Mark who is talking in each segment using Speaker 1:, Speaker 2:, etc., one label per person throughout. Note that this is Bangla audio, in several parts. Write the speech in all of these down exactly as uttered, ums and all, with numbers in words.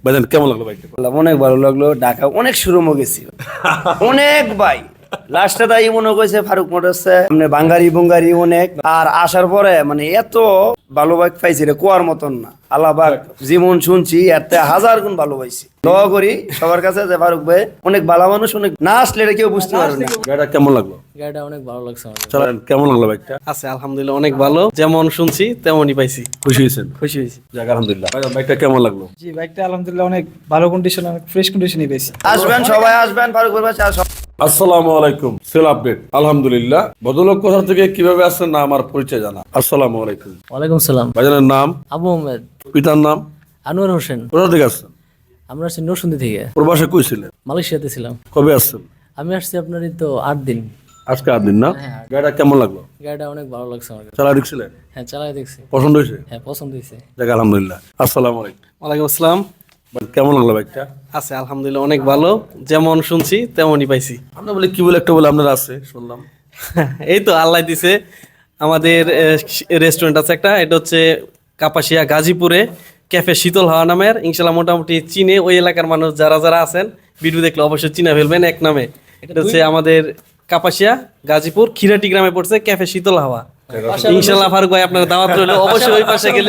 Speaker 1: ভাইজান কেমন লাগলো বাইকটা?
Speaker 2: অনেক ভালো লাগলো। ঢাকা অনেক শোরুমও গেছি, অনেক ভাই। লাস্টে তাই মনে করেছে ফারুক মোটরসে মানে বাঙ্গারি বুঙ্গারি অনেক। আর আসার পরে মানে এত ভালো বাইক পাইছি রে কোয়ার মতন না। আল্লাহবাক যেমন শুনছি এর থেকে হাজার গুণ ভালো পাইছি। দোয়া করি সবার কাছে যে ফারুক ভাই অনেক ভালো মানুষ, অনেক না আসলে এটা কেউ বুঝতে পারবে না।
Speaker 1: গাড়িটা কেমন লাগলো?
Speaker 3: গাড়িটা অনেক ভালো লাগছে আমার।
Speaker 1: চালান কেমন লাগলো বাইকটা?
Speaker 4: আছে আলহামদুলিল্লাহ অনেক ভালো, যেমন শুনছি তেমনই পাইছি।
Speaker 1: খুশি হয়েছেন?
Speaker 4: খুশি হয়েছি।
Speaker 1: যাক আলহামদুলিল্লাহ। ভাইজান বাইকটা কেমন লাগলো?
Speaker 5: জি বাইকটা আলহামদুলিল্লাহ অনেক ভালো কন্ডিশন, অনেক ফ্রেশ কন্ডিশনই পেয়েছি।
Speaker 2: আসবেন সবাই আসবেন ফারুক ভাই বাসা।
Speaker 1: আসসালামু আলাইকুম। সেল আপডেট আলহামদুলিল্লাহ। ভদ্রলোক কোথা থেকে কিভাবে আসছেন না আমার পরিচয় জানা। আসসালামু আলাইকুম।
Speaker 3: ওয়ালাইকুম সালাম।
Speaker 1: ভাইজানের নাম?
Speaker 3: আবু আহমেদ।
Speaker 1: পিতার নাম?
Speaker 3: আনোয়ার হোসেন।
Speaker 1: কোথা থেকে আসছেন?
Speaker 3: আমরা আসছি নরসিংদী থেকে।
Speaker 1: প্রবাসে কই ছিলেন?
Speaker 3: মালয়েশিয়াতে ছিলাম।
Speaker 1: কবে আসছেন?
Speaker 3: আমি আসছি আপনার এই তো আট দিন।
Speaker 1: আজকে আট দিন না? গাড়িটা কেমন লাগলো?
Speaker 3: গাড়িটা অনেক ভালো লাগছে আমার।
Speaker 1: চালা দেখছিলেন?
Speaker 3: হ্যাঁ চালাই দেখছি।
Speaker 1: পছন্দ হয়েছে?
Speaker 3: হ্যাঁ পছন্দ হয়েছে।
Speaker 1: যাক আলহামদুলিল্লাহ। আসসালামু আলাইকুম।
Speaker 4: ওয়ালাইকুম আসসালাম।
Speaker 1: ভাই, কেমন লাগলো বাইকটা?
Speaker 4: আছে আলহামদুলিল্লাহ অনেক ভালো, যেমন শুনছি তেমনই পাইছি।
Speaker 1: আমরা বলে কি বলে একটা বলে আপনার আছে শুনলাম।
Speaker 4: এই তো আল্লাহ দিছে, আমাদের রেস্টুরেন্ট আছে একটা, এটা হচ্ছে কাপাসিয়া গাজীপুরে ক্যাফে শীতল হাওয়া নামের। ইনশাল্লাহ মোটামুটি চিনে ওই এলাকার মানুষ যারা যারা আছেন ভিডিও দেখলে অবশ্যই চিনা ফেলবেন এক নামে। এটা হচ্ছে আমাদের কাপাসিয়া গাজীপুর খিরাটি গ্রামে পড়ছে ক্যাফে শীতল হাওয়া। ইনশাল্লাহ ফারুক ভাই আপনার দাওয়াত রইল, অবশ্যই ওই পাশে গেলে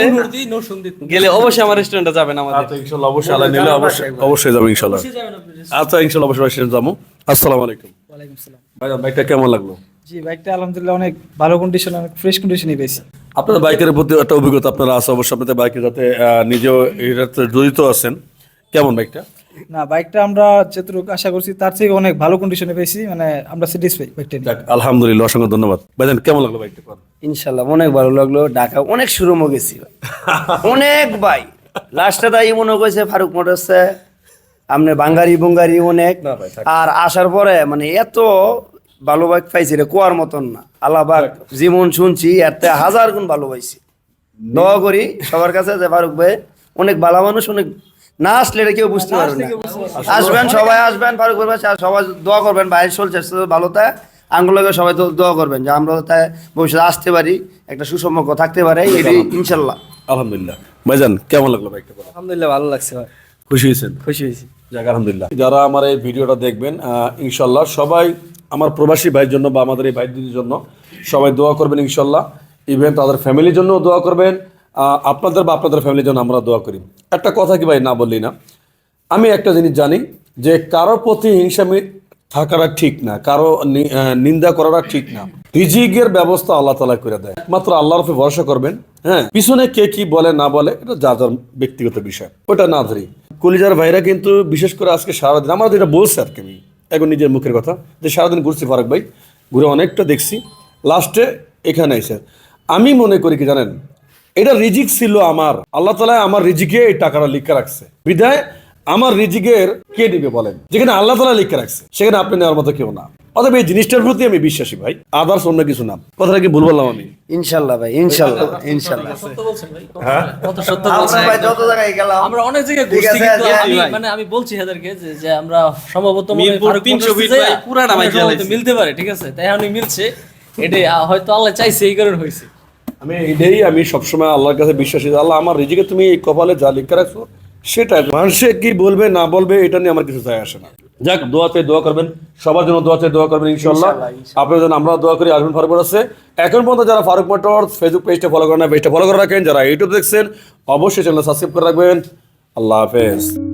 Speaker 4: গেলে অবশ্যই আমার রেস্টুরেন্টে যাবেন আমাদের।
Speaker 1: আচ্ছা ইনশাআল্লাহ অবশ্যই আল্লাহ নিলে অবশ্যই অবশ্যই যাবো ইনশাআল্লাহ। আচ্ছা ইনশাআল্লাহ অবশ্যই সেখানে যাবো। আসসালামু আলাইকুম।
Speaker 5: ওয়ালাইকুম সালাম।
Speaker 1: ভাইজান বাইকটা কেমন লাগলো?
Speaker 5: জি বাইকটা আলহামদুলিল্লাহ অনেক ভালো কন্ডিশন, অনেক ফ্রেশ কন্ডিশনই পেয়েছি।
Speaker 1: আপনার বাইকের প্রতি একটা অভিজ্ঞতা আপনারা আছে অবশ্যই, আপনাদের বাইকে যাতে আহ, নিজেও এটাতে জড়িত আছেন। কেমন বাইকটা?
Speaker 5: না বাইকটা আমরা যতটুকু আশা করছি তার থেকে অনেক ভালো কন্ডিশনে পেয়েছি, মানে আমরা স্যাটিসফাই বাইকটা নিয়ে।
Speaker 1: যাক আলহামদুলিল্লাহ, অসংখ্য ধন্যবাদ। ভাইজান কেমন লাগলো বাইকটা?
Speaker 2: ইনশাল্লাহ অনেক ভালো লাগলো। ঢাকা অনেক শোরুমও গেছি, অনেক ভাই। লাস্টে তাই মনে করেছে ফারুক মোটরসে আপনি বাঙ্গারি বুঙ্গারি অনেক। আর আসার পরে মানে এত ভালো বাইক পাইছি রে কোয়ার মতন না। আল্লাহবাক যেমন শুনছি এর থেকে হাজার গুণ ভালো পাইছি। দোয়া করি সবার কাছে যে ফারুক ভাই অনেক ভালো মানুষ, অনেক না আসলে এটা কেউ বুঝতে পারবে না। আসবেন সবাই আসবেন ফারুক ভাই বাসা। সবাই দোয়া করবেন ভাই চলছে ভালো তাই আঙ্গুলকে সবাই তো দোয়া করবেন যে আমরা তাই ভবিষ্যতে আসতে পারি, একটা সুসম্পর্ক থাকতে পারে এটাই ইনশাল্লাহ।
Speaker 1: আলহামদুলিল্লাহ। ভাইজান কেমন লাগলো বাইকটা?
Speaker 4: আলহামদুলিল্লাহ ভালো লাগছে ভাই।
Speaker 1: খুশি হয়েছেন?
Speaker 4: খুশি হয়েছি।
Speaker 1: যাক আলহামদুলিল্লাহ। যারা আমার এই ভিডিওটা দেখবেন আহ, ইনশাল্লাহ সবাই আমার প্রবাসী ভাইয়ের জন্য বা আমাদের এই ভাই দিদির জন্য সবাই দোয়া করবেন ইনশাল্লাহ। ইভেন তাদের ফ্যামিলির জন্য দোয়া করবেন, আহ, আপনাদের বা আপনাদের ফ্যামিলির জন্য আমরা দোয়া করি। একটা কথা কি ভাই না বললি না, আমি একটা জিনিস জানি যে কারো প্রতি হিংসা থাকাটা ঠিক না, কারো নি- আহ, নিন্দা করাটা ঠিক না। রিজিকের ব্যবস্থা আল্লাহ তাআলা করে দেয়, মাত্র আল্লাহর উপরে ভরসা করবেন। হ্যাঁ, পিছনে কে কি বলে না বলে এটা যার যার ব্যক্তিগত বিষয়, ওটা না ধরি। কলিজার ভাইরা কিন্তু বিশেষ করে আজকে সারাদিন আমার যেটা বলছে আর কি, আমি এখন নিজের মুখের কথা যে সারাদিন ঘুরছি ফারুক ভাই, ঘুরে অনেকটা দেখছি, লাস্টে এখানে এসে আমি মনে করি কি জানেন, এটা রিজিক ছিল আমার, আল্লাহ তাআলা আমার রিজিকে এই টাকাটা লিখে রাখছে বিধায় আমার রিজিকের কে দিবে বলেন? যেখানে আল্লাহ তাআলা লিখে রাখছে সেখানে আপনি নেওয়ার মতো কেউ না। অতএব এই জিনিসটার প্রতি আমি বিশ্বাসী ভাই, আদার্স অন্য কিছু না। কথাটা কি ভুল বললাম আমি?
Speaker 2: ইনশাল্লাহ ভাই ইনশাল্লাহ ইনশাল্লাহ।
Speaker 3: সত্য বলছেন ভাই।
Speaker 1: হ্যাঁ
Speaker 3: কত সত্য
Speaker 2: আমরা
Speaker 3: বলছেন।
Speaker 2: ভাই যত জায়গায় গেলাম
Speaker 3: আমরা অনেক জায়গায়
Speaker 2: ঠিক
Speaker 3: ঘুরছি,
Speaker 2: আছে,
Speaker 3: কিন্তু
Speaker 2: যে-
Speaker 3: আমি মানে আমি বলছি হেদারকে যে যে আমরা সম্ভবত মনে হয়
Speaker 4: মিরপুর
Speaker 3: ফারুক
Speaker 4: তিনশো
Speaker 3: মোটরসে
Speaker 4: ফিট
Speaker 3: যাই,
Speaker 4: ভাই, পুরাটা ভাই
Speaker 3: আমরা সম্ভবত
Speaker 4: জ্বালাইছি।
Speaker 3: মিলতে পারে, ঠিক আছে? তাই আমি মিলছে, এটাই আহ, হয়তো আল্লাহ চাইছে এই কারণে হয়েছে।
Speaker 1: আমি এটাই আমি সবসময় আল্লাহর কাছে বিশ্বাসী যে আল্লাহ আমার রিজিকে তুমি এই কপালে যা লিখে রাখছো সেটা মানুষে কি বলবে না বলবে এটা নিয়ে আমার কিছু যায় আসে না। যাক দোয়াতে দোয়া করবেন, সবার জন্য দোয়াতে দোয়া করবেন ইনশাআল্লাহ। আপনার জন্য আমরা দোয়া করি। আসবেন ফারুক মোটরসে। এখন পর্যন্ত যারা ফারুক মোটরস ফেসবুক পেজটা ফলো করেন না, পেজটা ফলো করে রাখেন। যারা ইউটিউব দেখছেন অবশ্যই চ্যানেল সাবস্ক্রাইব করে রাখবেন। আল্লাহ হাফেজ।